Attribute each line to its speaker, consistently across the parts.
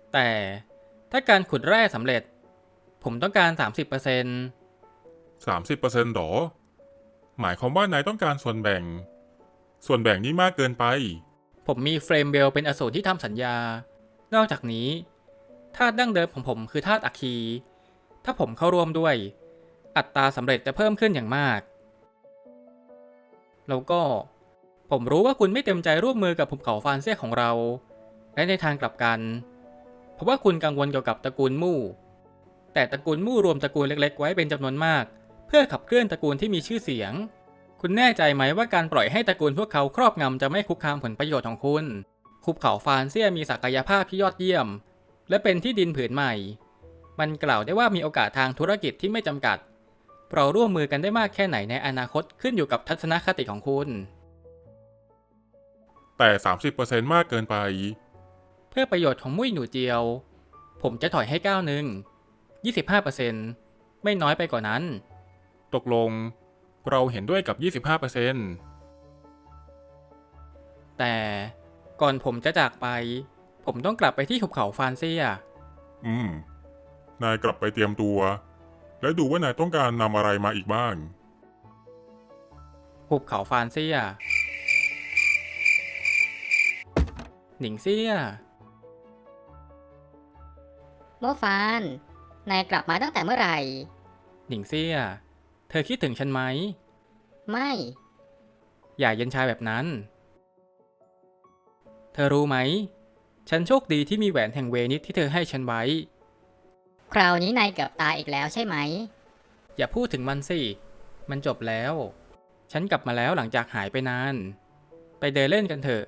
Speaker 1: แต่ถ้าการขุดแร่สำเร็จผมต้องการ 30%
Speaker 2: 30%หรอหมายความว่านายต้องการส่วนแบ่งนี้มากเกินไป
Speaker 1: ผมมีเฟรมเวลเป็นอสูรที่ทำสัญญานอกจากนี้ธาตุดั้งเดิมของผมคือธาตุอะคี ถ้าผมเข้าร่วมด้วยอัตราสำเร็จจะเพิ่มขึ้นอย่างมากแล้วก็ผมรู้ว่าคุณไม่เต็มใจร่วมมือกับภูเขาฟานเซียของเราและในทางกลับกันเพราะว่าคุณกังวลเกี่ยวกับตระกูลมู่แต่ตระกูลมู่รวมตระกูลเล็กๆไว้เป็นจำนวนมากเพื่อขับเคลื่อนตระกูลที่มีชื่อเสียงคุณแน่ใจไหมว่าการปล่อยให้ตระกูลพวกเขาครอบงำจะไม่คุกคามผลประโยชน์ของคุณภูเขาฟานเซียมีศักยภาพที่ยอดเยี่ยมและเป็นที่ดินผืนใหม่มันกล่าวได้ว่ามีโอกาสทางธุรกิจที่ไม่จำกัดเราร่วมมือกันได้มากแค่ไหนในอนาคตขึ้นอยู่กับทัศนคติของคุณ
Speaker 2: แต่ 30% มากเกินไป
Speaker 1: เพื่อประโยชน์ของมุ้ยหนูเจียวผมจะถอยให้ก้าวหนึ่ง 25% ไม่น้อยไปกว่านั้น
Speaker 2: ตกลงเราเห็นด้วยกับ 25%
Speaker 1: แต่ก่อนผมจะจากไปผมต้องกลับไปที่หุบเขาฟานเซีย
Speaker 2: นายกลับไปเตรียมตัวและดูว่านายต้องการนำอะไรมาอีกบ้าง
Speaker 1: หุบเขาฟานเซียหนิงเซีย
Speaker 3: โมฟาน นายกลับมาตั้งแต่เมื่อไหร่
Speaker 1: หนิงเซียเธอคิดถึงฉันไหม
Speaker 3: ไม่
Speaker 1: อย่าเย็นชาแบบนั้นเธอรู้ไหมฉันโชคดีที่มีแหวนแห่งเวนิสที่เธอให้ฉันไว้
Speaker 3: คราวนี้นายเกือบตายอีกแล้วใช่ไหม
Speaker 1: อย่าพูดถึงมันสิมันจบแล้วฉันกลับมาแล้วหลังจากหายไปนานไปเดินเล่นกันเถอะ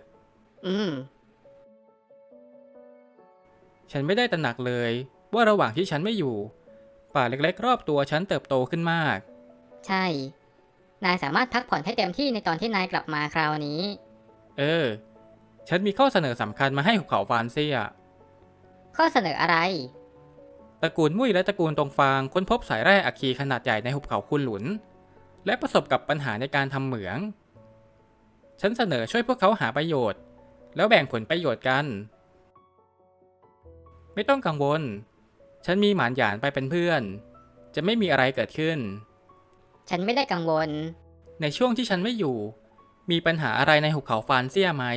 Speaker 1: ฉันไม่ได้ตระหนักเลยว่าระหว่างที่ฉันไม่อยู่ป่าเล็กๆรอบตัวฉันเติบโตขึ้นมาก
Speaker 3: ใช่นายสามารถพักผ่อนให้เต็มที่ในตอนที่นายกลับมาคราวนี้
Speaker 1: ฉันมีข้อเสนอสำคัญมาให้หุบเขาฟานเซีย
Speaker 3: ข้อเสนออะไร
Speaker 1: ตระกูลมุ้ยและตระกูลตงฟางค้นพบสายแร่อะคีขนาดใหญ่ในหุบเขาคุนหลุนและประสบกับปัญหาในการทำเหมืองฉันเสนอช่วยพวกเขาหาประโยชน์แล้วแบ่งผลประโยชน์กันไม่ต้องกังวลฉันมีหมานหยานไปเป็นเพื่อนจะไม่มีอะไรเกิดขึ้น
Speaker 3: ฉันไม่ได้กังวล
Speaker 1: ในช่วงที่ฉันไม่อยู่มีปัญหาอะไรในหุบเขาฟานเซียไหม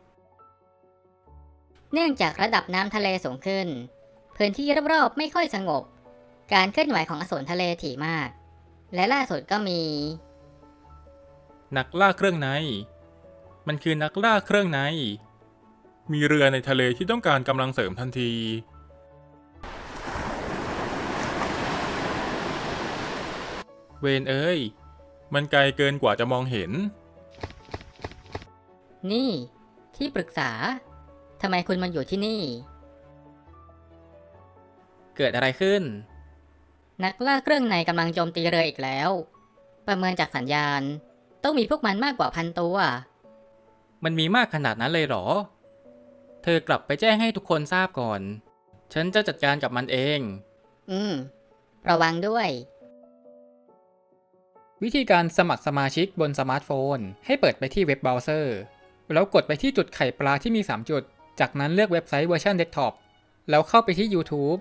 Speaker 3: เนื่องจากระดับน้ำทะเลสูงขึ้นพื้นที่รอบๆไม่ค่อยสงบการเคลื่อนไหวของอสูรทะเลถี่มากและล่าสุดก็มี
Speaker 1: นักล่าเครื่องในมันคือนักล่าเครื่องใน
Speaker 2: มีเรือในทะเลที่ต้องการกำลังเสริมทันที
Speaker 1: เวนเอ้ยมันไกลเกินกว่าจะมองเห็น
Speaker 3: นี่ที่ปรึกษาทำไมคุณมาอยู่ที่นี่
Speaker 1: เกิดอะไรขึ้น
Speaker 3: นักล่าเครื่องในกำลังโจมตีเรืออีกแล้วประเมินจากสัญญาณต้องมีพวกมันมากกว่า1,000 ตัว
Speaker 1: มันมีมากขนาดนั้นเลยเหรอเธอกลับไปแจ้งให้ทุกคนทราบก่อนฉันจะจัดการกับมันเอง
Speaker 3: ระวังด้วย
Speaker 1: วิธีการสมัครสมาชิกบนสมาร์ทโฟนให้เปิดไปที่เว็บเบราว์เซอร์แล้วกดไปที่จุดไข่ปลาที่มี3จุดจากนั้นเลือกเว็บไซต์เวอร์ชันเดสก์ท็อปแล้วเข้าไปที่ YouTube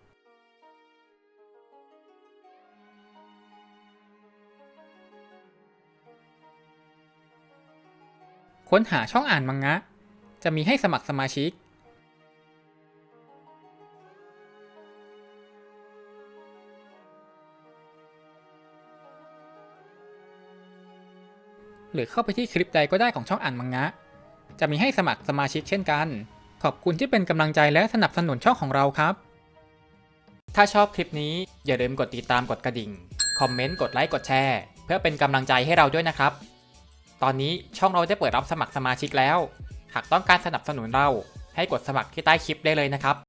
Speaker 1: ค้นหาช่องอ่านมังงะจะมีให้สมัครสมาชิกหรือเข้าไปที่คลิปใดก็ได้ของช่องอ่านมังงะจะมีให้สมัครสมาชิกเช่นกันขอบคุณที่เป็นกำลังใจและสนับสนุนช่องของเราครับถ้าชอบคลิปนี้อย่าลืมกดติดตามกดกระดิ่งคอมเมนต์กดไลค์กดแชร์เพื่อเป็นกำลังใจให้เราด้วยนะครับตอนนี้ช่องเราได้เปิดรับสมัครสมาชิกแล้วหากต้องการสนับสนุนเราให้กดสมัครที่ใต้คลิปได้เลยนะครับ